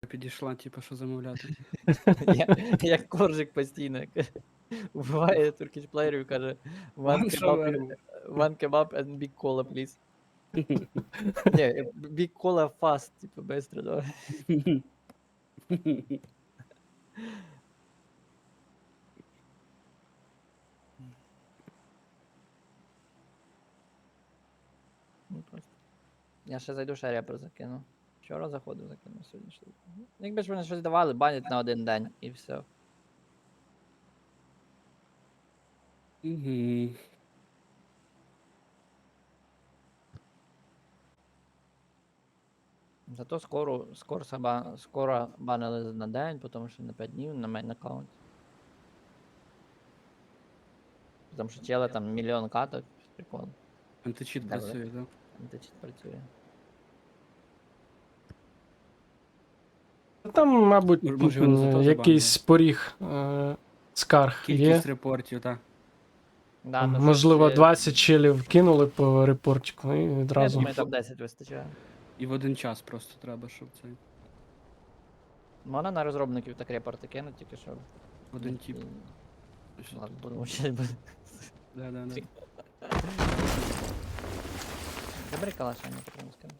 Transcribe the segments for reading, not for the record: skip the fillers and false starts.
Підійшла, типу, що замовляти. Як коржик постійно. Вбиває туркіш плеєрів і каже one kebab and big cola, please. Ні, big cola fast, типу, быстро, давай. Ну, просто. Я ще зайду, ще репер закину. Вчора заходив, закинув сьогодні ще. Якби ж вони щось давали, банять на один день і все. Мгм. Зато скоро банили на день, потім ще на 5 днів на мейн аккаунт. Тому що чели там мільйон каток, прикол. Античіт Давай. працює, так? Античіт працює. Там, мабуть, Може, вони за то якийсь поріг скарг є. Кількість репортів, так. Да, ну, Можливо, щось, 20 челів кинули по репортику і Я відразу. думаю, там 10 вистачає. І в один час просто треба, щоб це. Можна на розробників так репорти кинути, тільки що. Один тип. Ладно, будемо ще. Да. Забери калаша, не потрібно скину.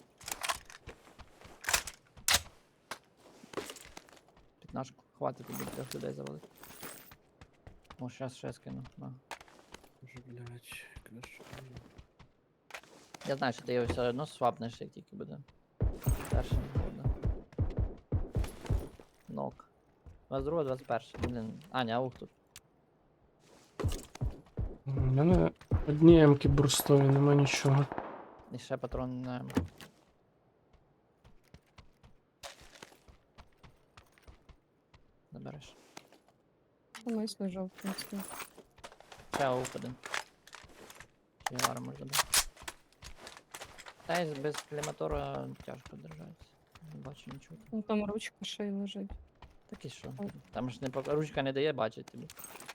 15-ку. Хватить тобі 3 людей завалити. О, щас ще скину. На. Боже, блядь, краще. Я знаю, що ти його все одно свапнеш, як тільки буде. Перший буде. Нок. 22, 21. Блін. Аня, аух тут. У мене одні емки бурстові, нема нічого. І ще патрон на... Забереш. Комусь лежав, в принципі. Ще аух один. Чи вара може бути. Та й без кліматора тяжко держатися. Не бачу нічого. Ну там ручка ще й лежить. Так і що? Там ж ручка не дає бачити тобі.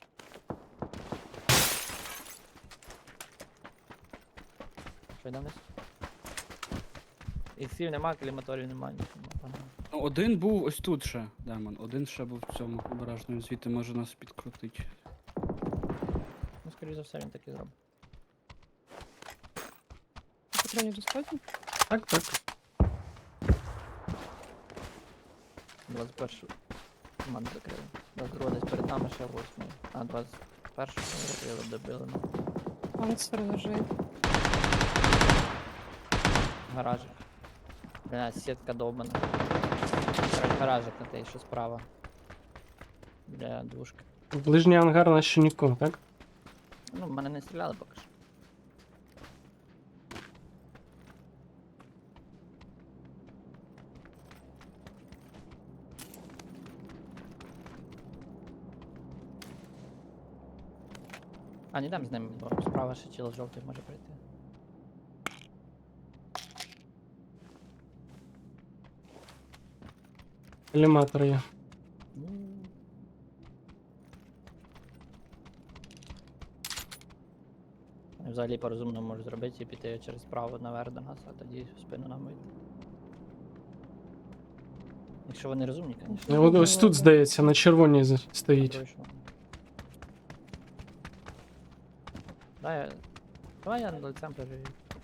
Що йде вниз? Іксів нема, кліматорів нема, нічого нема. Погнали. Ну, один був ось тут ще, Демон. Один ще був в цьому обережному, звідти може нас підкрутити. Ну, скоріш за все, він так і зробить. Патронів достатньо? Так. 21 команду закрили. 22 десь перед нами ще 8. А 21 закрили, добили. Панцир лежить. Гаражик. Бля, сітка довбана. Гаражик на той, що справа. Бля, двушка. Ближній ангар на ще нікого, так? Ну, в мене не стріляли поки що. А, не дам з ним, бо справа ще чел жовтий може прийти. Еліматор є. Взагалі по-розумному можу зробити і піти через право наверх до нас, а тоді в спину нам вийти. Якщо вони розумні, звісно. Ну, ось тут, здається, на червоній стоїть. Точно. Давай я лицем перевірю.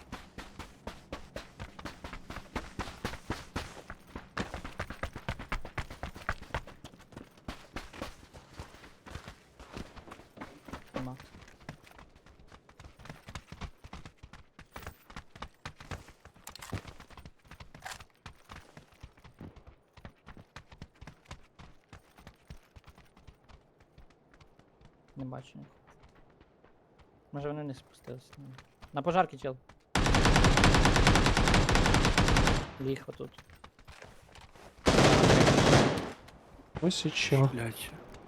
Нема. Не бачу нікого. Може вони не спустилися. На пожарки, чел. Ліг отут. Ось і чого. Блядь.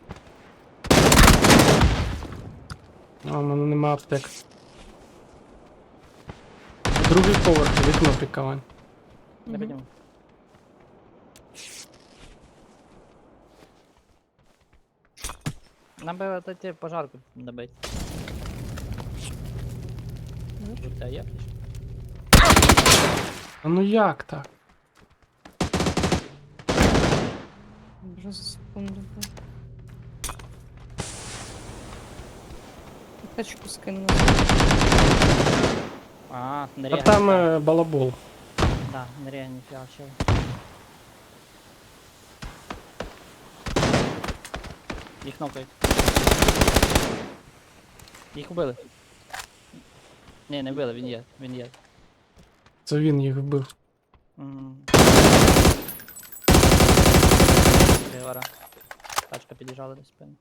А, у мене нема аптек. Другий поверх, вікно прикавань. Не підніму. Нам би отойти пожарку добити. У тебе є ключ? А ну як так? Вже за секунду. було. Тачку скинула. А, не А реагує. там балабол. Да, не реагує, ніфіга, чел. Їх нокають. Їх убили. Ні, не вбили, він є, він є. Це він їх вбив. Вара. Тачка під'їжджала до спини.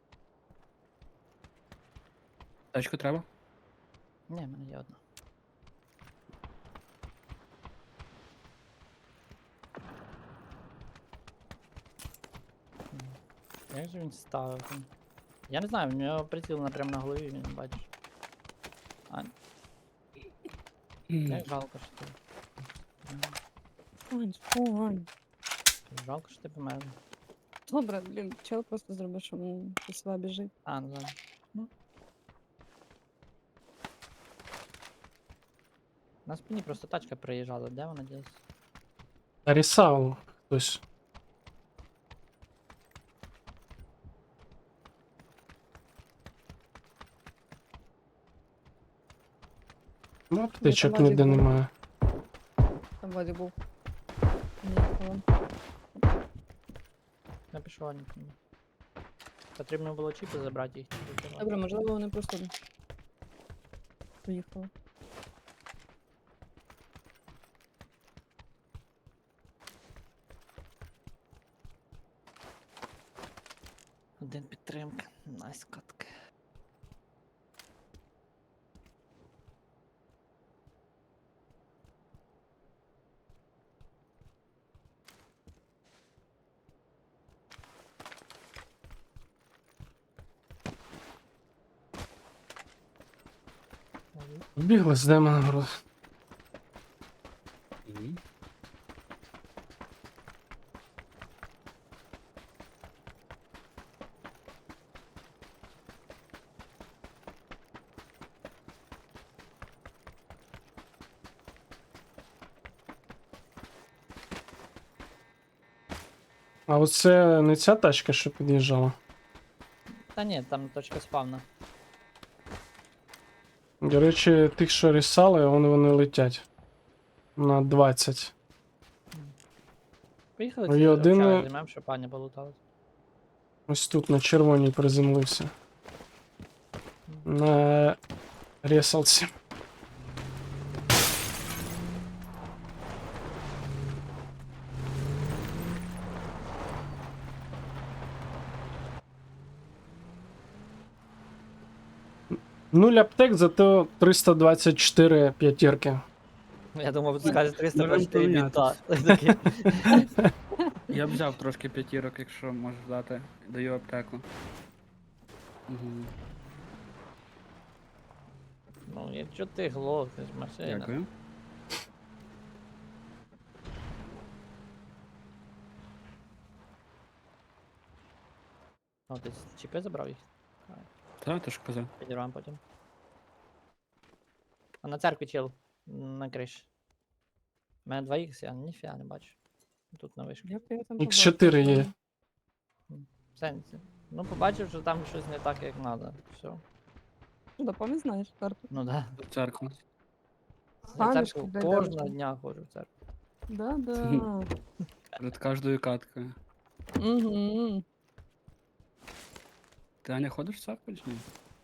Тачку треба? Ні, в мене є одна. Як же він ставив там? Я не знаю, в нього приціл прямо на голові, він бачиш. А, як жалко, що ти. Вань. Жалко, що ти помер. Добре, блін, чел просто зробив, що він до села біжить. А, ну ладно. Ну. На спині просто тачка приїжджала, де вона десь? Нарісав хтось. Ну, аптечок Владик ніде був. немає. Там Владик був. Ні, Я пішов а нікому. Потрібно було чіпи забрати їх. Добре, можливо, вони просто поїхали. Один підтримка. Найс катки. Вбігли з демона гру. Мгм. А оце не ця тачка, що під'їжджала. Та ні, там точка спавна. До речі, тих, що рісали, вони летять. На 20. Поїхали Ну, ці є один, общаги займемо, щоб пані полутали. Ось тут на червоній приземлився. На ресалці. Нуль аптек, зато 324 п'ятірки. Я думав, ти скажеш 300 Можемо почти бінта. помінятися. Я б взяв трошки п'ятірок, якщо можеш дати. Даю аптеку. Угу. Ну, якщо ти глохнеш, машина. Дякую. О, ти чіпи забрав їх? Та, ти ж казав. Підірвам потім. А на церкві чел. На криші. У мене 2х, я ніфіга не бачу. Тут на вишку. Як я там Х4 є. В сенсі. Ну, побачив, що там щось не так, як треба. Все. Ну, да, пам'ять знаєш карту. Ну да. В церкву. Я в Пам'ятки, церкву блядь, кожного дорожні. дня ходжу в церкву. Да. Перед кожною каткою. Угу. Ти Аня ходиш в церкву чи ні?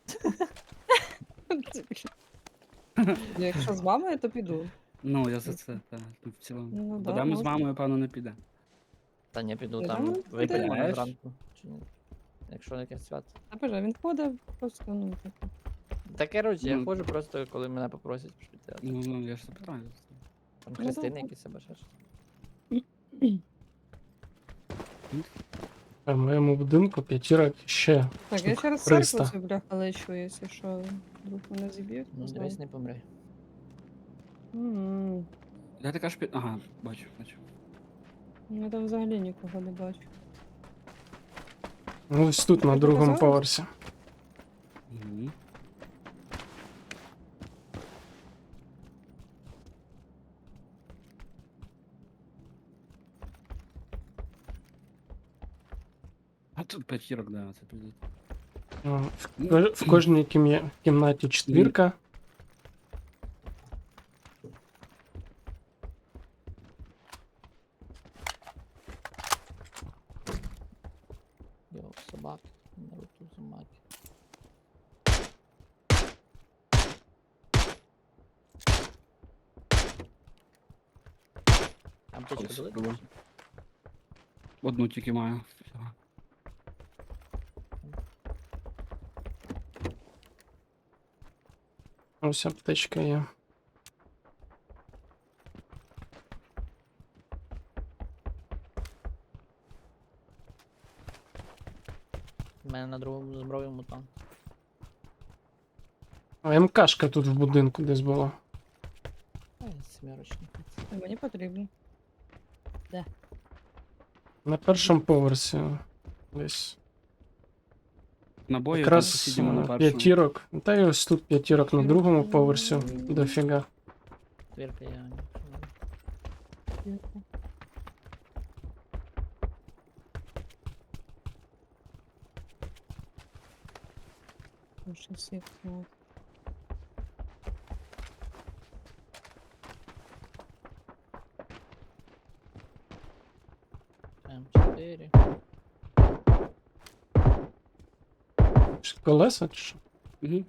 Якщо з мамою, то піду. Ну, я за це, так, в цілому. Ну, да, Будемо з можна. мамою, певно, не піде. Та не піду Я там думаю, випити підеш. мене зранку. Чи ні? Якщо якесь свято. Та боже, він ходить просто, ну, таке. Та коротше, я Ну. ходжу просто, коли мене попросять піти. Ну, я ж запитаю. Там Ну, хрестини да. якісь або ще щось. В моєму будинку п'ятірок ще. Так, я Штук ще раз 300. церкву цю бляха лечу, якщо що, вдруг мене зіб'ють. Ну, не дивись, знаю. не помри. Мгм. Я така ж під... Ага, бачу. Я там взагалі нікого не бачу. Ну, ось тут на Ти другому показала? поверсі. Угу. А тут п'ятірок, да, це піде. В кожній кімнаті четвірка. Йо, собаки. Наруто собаки. Аптечка Ось, дали? пробуй. Одну тільки маю. Всього. Ось аптечка є. У мене на другому зброю мутант. А МКшка тут в будинку десь була. Ай, семерочник. Мені потрібно. На першому поверсі. Десь. Набої там Якраз сусідімо на першому. п'ятірок. Та й ось тут п'ятірок на другому поверсі. Дофіга. Твірка я. Ще всіх, ну. М4. Колеса чи що? Угу.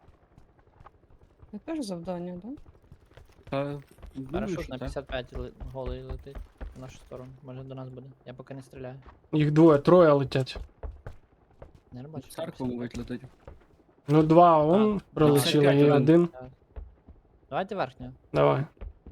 Це теж завдання, так? Та, думаю, Парашут що на так. 55 голий летить в нашу сторону. Може до нас буде. Я поки не стріляю. Їх двоє, троє летять. Не бачу. Церкву мовить летить. Ну, два он пролетіли, 55 і один. один. Давайте верхню. Давай.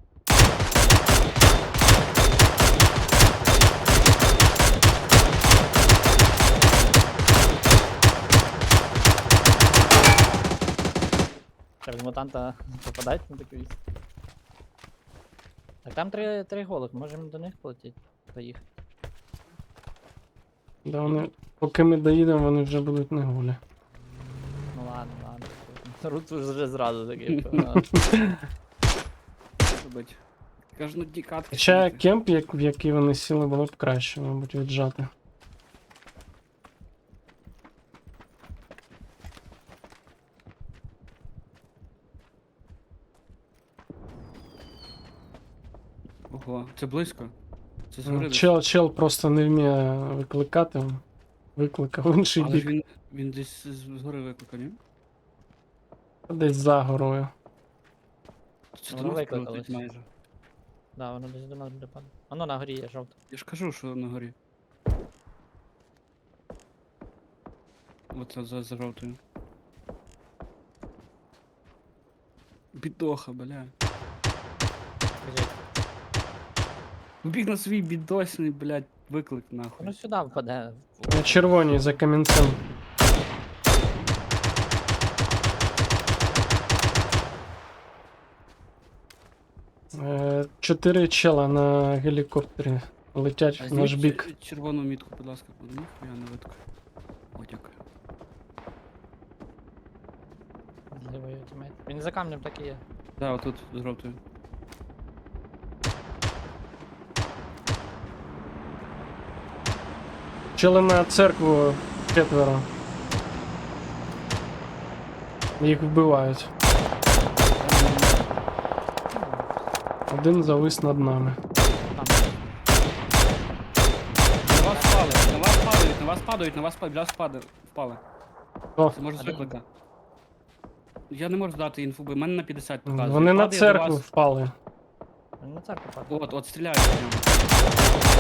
Через мутанта попадать на таку вісь. Так там три голих, можемо до них полетіти. Поїхати. Да, вони, поки ми доїдемо, вони вже будуть не голі. Ну ладно. Рут вже зразу такий. Робить. Кажуть, дікатки. Хоча кемп, в який вони сіли, було б краще, мабуть, віджати. Ого, це близько. Це згори десь. Чел просто не вміє викликати. Викликав інший Але ж бік. він десь згори викликав, ні? Десь за горою. Це Воно до нас викликалось. прилетить майже. Да, воно десь до нас буде падати. Воно на горі є жовто. Я ж кажу, що на горі. Оце за жовтою. Бідоха, бля. Біжить. Біг на свій бідосний, блядь, виклик нахуй. Воно сюди впаде. На червоній за камінцем. Чотири чела на гелікоптері летять А в наш зніміть бік. червону мітку, будь ласка, буде ніхуя не видко. О, дякую. Зливає тімейт. Він за камнем так і є. Да, отут з жовтою. Чели на церкву четверо. Їх вбивають. Один завис над нами. Там. На вас впали, на вас падають, на вас падають, на вас падають, біля вас впали. О, Це може з Один. виклика. Я не можу дати інфу, бо в мене на 50 показує. вони на Падає до церкву вас. впали. Він на церкву падає. От стріляють в нього.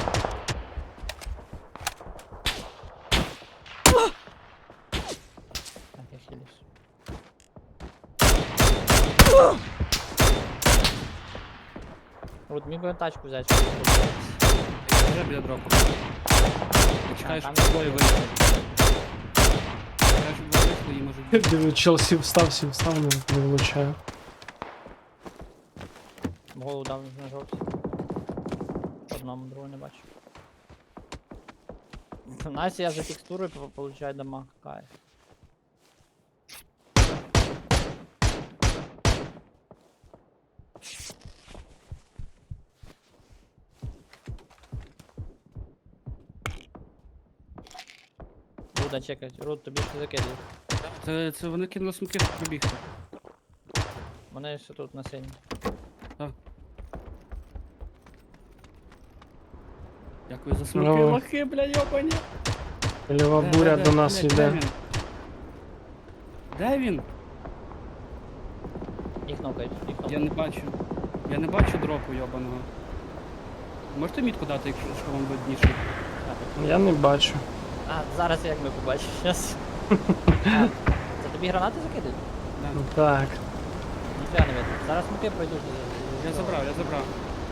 Так, я хилюсь. Рут, міг би тачку взяти. Я вже біля дропу. Я чекаю, там щоб є двоє двоє. вийшли. Чекаю, щоб двоє вийшли і може... Диви, чел сів встав, не влучає. Голову дав на жовтій. Одному, другого не бачу. У нас я за текстурою получаю дамаг. Кайф. Руда чекать. Руд, тобі все закидують. Це вони кинули смоки, щоб пробігти. Вони ще тут на синій. Дякую за смоки, Ну. лохи, бля, йобані. Ліва буря до нас блядь, йде. Де він? Де він? Їх нокають, їх Я нокають. не бачу. Я не бачу дропу йобаного. Можете мітку дати, якщо що вам видніше? Я не бачу. А, зараз як ми побачимо, щас. А, це тобі гранати закидують? Да. Так. Ніфіга не видно. Зараз смоки пройдуть. Я забрав, я забрав.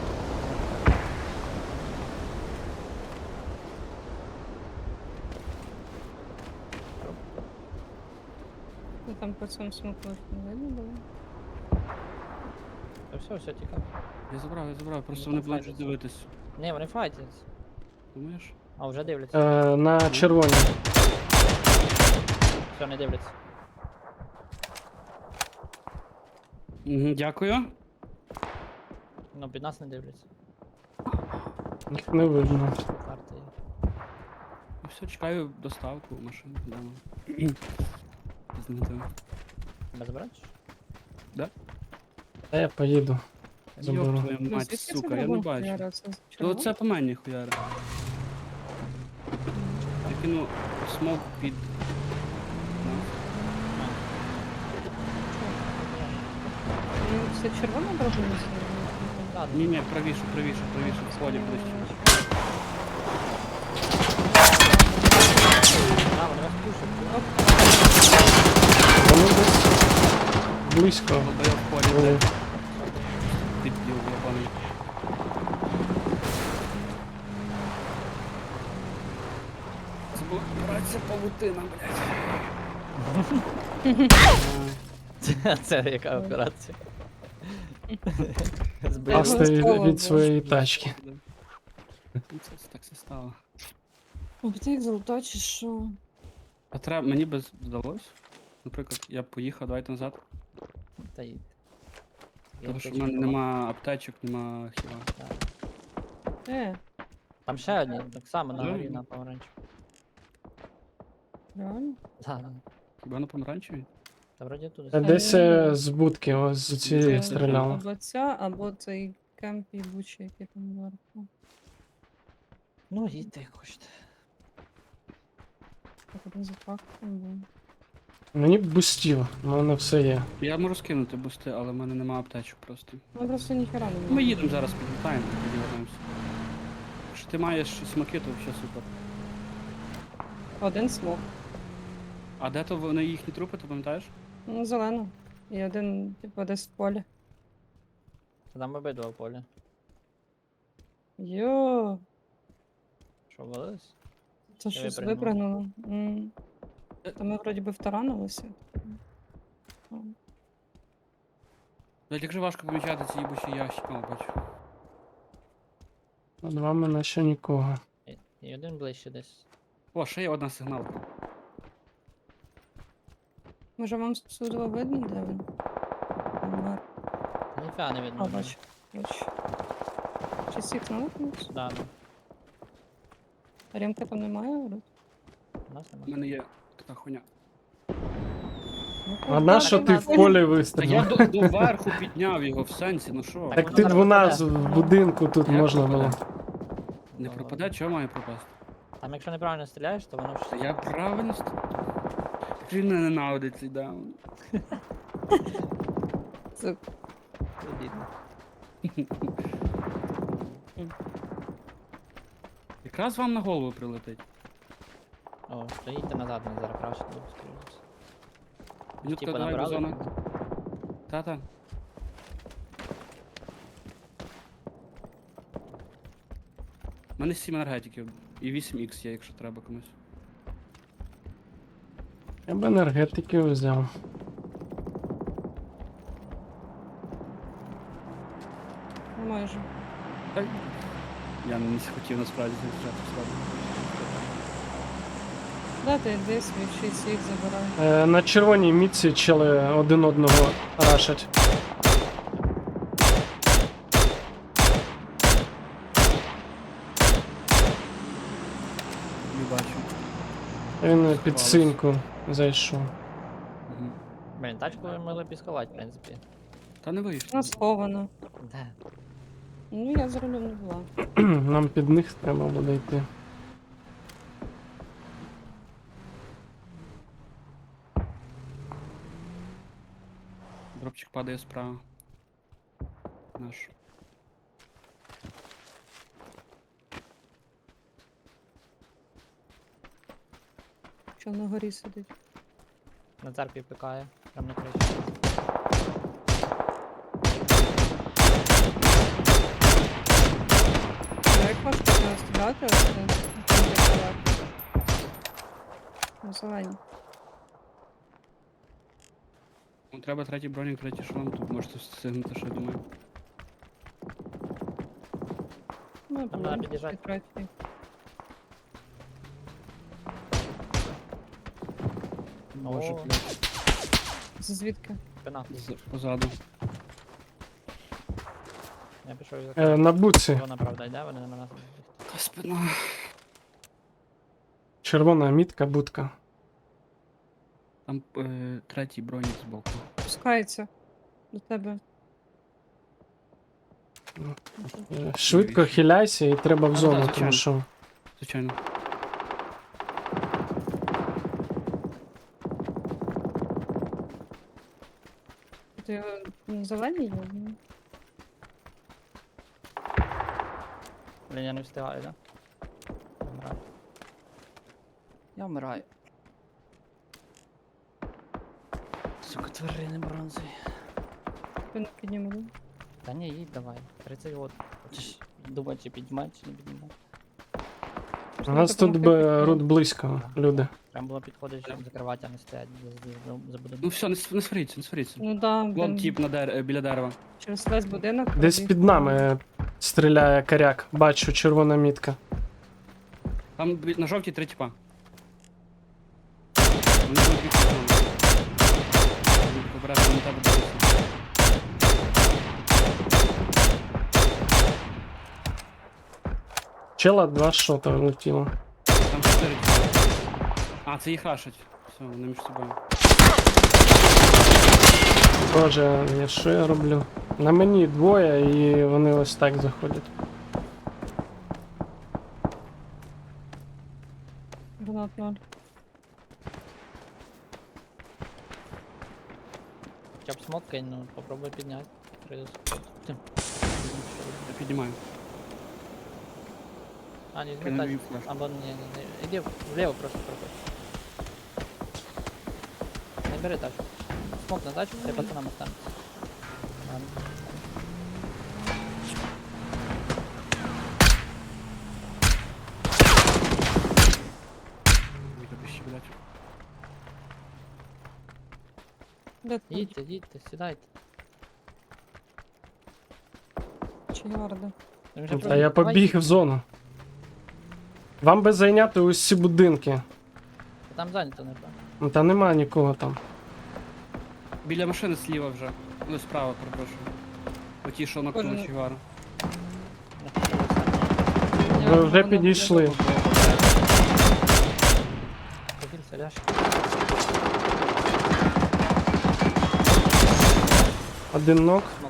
Ну там по цьому смоку не видно було. Та все, тихо. Я забрав, просто Ну, вони там будуть файтяться. дивитись. Ні, вони файтяться. Думаєш? А, вже дивляться. На червоній. Все, не дивляться. Угу, дякую. Ну, під нас не дивляться. Їх не видно. Карти є. Ну все, чекаю доставку машину вдома. Знайду. Тебе забрати? Та я поїду. Йоп Заберу. твою Ну, мать, звідки це сука, я не драгун бачу. хуяра? Це То червоно? це по мені хуяри. Я кину смок під. Ну, це червона драгуна? Так, Ні, правіше, в сході ближче. а, вони вас пушать. Вони десь близько. Бо я в полі, були. де підділ ябаний. Це була операція павутина, блядь. Це яка операція? Пасти Слово від своєї тачки. Ну, це так все стало. Обтяг золото чи що? А треба, мені би здалось. Наприклад, я б поїхав, давайте назад. Та й... Тому що в мене нема аптечок, нема хіла. Там ще одні, так само на Ну, горі на помаранчі. Реально? Так, Хіба на помаранчевій? та вроді тут. Десь з будки, ось з цієї Це стріляли. Або ця, або цей кемп їбучий, який там зверху. Ну, їдьте як хочете. Так один запах там був. Мені б бустів, в мене все є. Я можу скинути бусти, але в мене нема аптечок просто. Ну просто ніхера не Ми було. їдемо зараз, підлітаємо, тоді вернемося. Якщо ти маєш смаки, то взагалі супер. Один смок. А де то вони їхні трупи, ти пам'ятаєш? Ну, зелено. І один, типу, десь в полі. Там обидва в полі. Йо, Що, валились? це Я щось випрыгнув. випрыгнуло. Та ми вроді би втаранилися. Блять, як же важко помічати ці їбучі ящики, о, бачу. Над вами наче нікого. І один ближче десь. О, ще є одна сигналка. Може вам судово видно, де він? Помер. Та ніфіга не видно. А, бачу. Бачу. Чи всіх наликнуть? Да, да. А Ремка там немає? Рут? У нас У немає. мене є така хуйня. Ну, А на що ти в полі Та я вистрілив? доверху підняв його в сенсі, ну що? Так ти в нас в будинку тут Як можна пропаде? було. Не пропаде, чого має пропасти? Там якщо неправильно стріляєш, то воно Та ж... я правильно Він не ненавидить цей даун. Це Це бідно. Якраз вам на голову прилетить. О, то їдьте назад, вони зараз краще будуть стрілятися. Мінютка, Типа давай набрали? бозона. Та-та. У мене 7 енергетиків і 8х є, якщо треба комусь. Я б енергетики взяв. майже. Я не хотів насправді захищати справді. Да, ти йди свій 6 їх забирай. На червоній мітці чели один одного рашать. Не бачу. Він під синьку зайшов. Мгм. Блін, тачку ви могли б сховати, в принципі. Та не вийшло. Вона схована. Де? Ну, я за рулем не була. Нам під них треба буде йти. Дропчик падає справа. Наш. Що на горі сидить. На церкві пикає, прям на криші. Ну, як важко зараз стріляти, ось це. На зелені. Ну, треба третій бронік, третій шолом, тут можете встигнути, що я думаю. Ну, Там треба під'їжджати. третій. Боже, О, блядь, Звідки? спина. позаду. Я пішов і На буці. Вона правда йде, вони на нас. Та спина. Червона мітка, будка. Там третій бронік збоку. Пускається до тебе. Швидко Навіщо? хиляйся і треба в Так, зону, так, тому звичайно. що. Звичайно. Ти на зеленій є? Ну, Блін, я не встигаю, да? Вмираю. Я вмираю. Сука, тварини бронзи. ти не підніму. Та ні, їдь давай. 30 год. Хочеш думати, чи піднімати, чи не піднімати. У нас тут рут близько, люди. Прям було підходити, щоб закривати, а не стоять за будинком. Ну все, не сваріться, не сваріться. Ну да, Вон блін, тип на біля дерева. через весь будинок. Десь пробіг. під нами стріляє коряк. Бачу, червона мітка. Там на жовтій три типа. Вони будуть бігти за нами. Будуть обережно на тебе дивитися. Чела 2 шота влетіло. Там 4 типа. А, це їх рашать. Все, вони між собою. Боже, я що я роблю? На мені двоє і вони ось так заходять. Гранат 0. Хоча б смок кинь, ну попробуй підняти. Я піднімаю. А, ні, Я ну не так. вів флеш. Або ні. Іди вліво просто проходь. Не бери тачку. Смок на тачку, ти пацанам останеться. Ладно. Ой, тобі ще, блядь. Де ти? Їдьте, сідайте. Чи ярда? Він вже А просто- я побіг в зону. Вам би зайняти усі будинки. Там зайнято, напевно. Ну, та нема нікого там. Біля машини зліва вже. Ну, справа, перепрошую. Оті, що накнули Кожен- Чигара. Я пішов останній. Ви вже підійшли. Побілься, ляж. Один ног. Смок.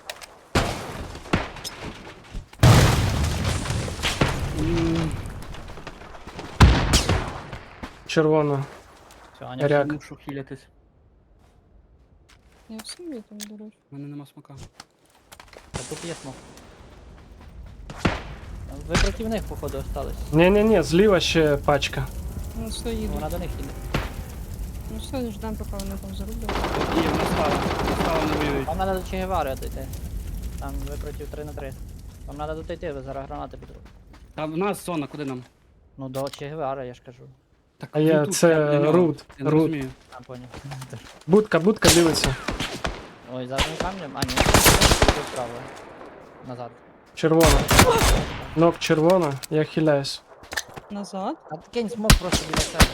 Червона. Все, Аня. Ряк. Мушу хілятись. Я всім є там, до речі. У мене нема смака. Та тут є смок. Ви проти них, походу, остались. Ні-ні-ні, зліва ще пачка. Ну все, їду. Вона до них їде. Ну все, ждемо, поки вони там зароблять. І вона стала. Вона стала, не воюють. Вам треба до Че Гевари дойти. Там ви проти 3 на 3. Вам треба дойти, ви зараз гранати підуть. Там в нас зона, куди нам? Ну до Че Гевари, я ж кажу. Так, А я- він тут, це біля нього. Рут, Я не Рут. розумію. А, поняв. Будка дивиться. Ой, за одним камнем. А, ні, тут справа. Назад. Червона. Ног червона, я хиляюсь. Назад. А ти кинь смок просто біля себе.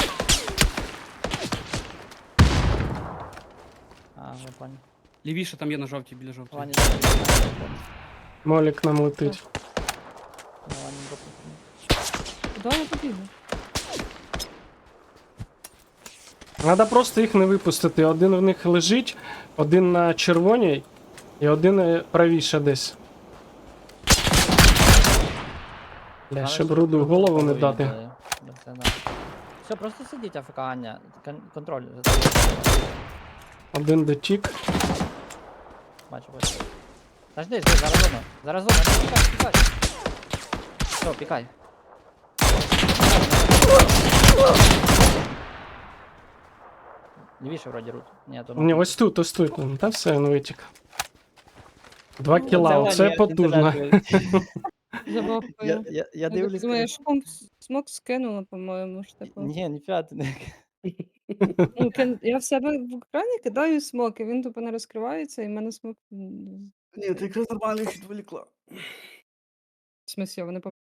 А, я понял. Лівіше там є на жовтій, біля жовтої. Ваня, Молік нам летить. Ваня, Куди я побігла? Треба просто їх не випустити. Один в них лежить, один на червоній і один правіше десь. Бля, ще б руду в голову не дати. Все, просто сидіть, АФК, Аня. Контроль. Один дотік. Бачу. Подожди, зараз зона. Зараз зона, не пікай. Все, пікай. Лівіше вроді рут. Ні, то Ні, ось тут, ось тут. Та все, він витік. 2 кіла, оце потужно. Забавкою. Я дивлюсь. Думаю, смок скинула, по-моєму, ж типу. Ні, ніфіга ти не. Ну, я в себе в екрані кидаю смок, і він тупо не розкривається, і в мене смок. Ні, ти якраз нормально їх відволікла. В смысле, вони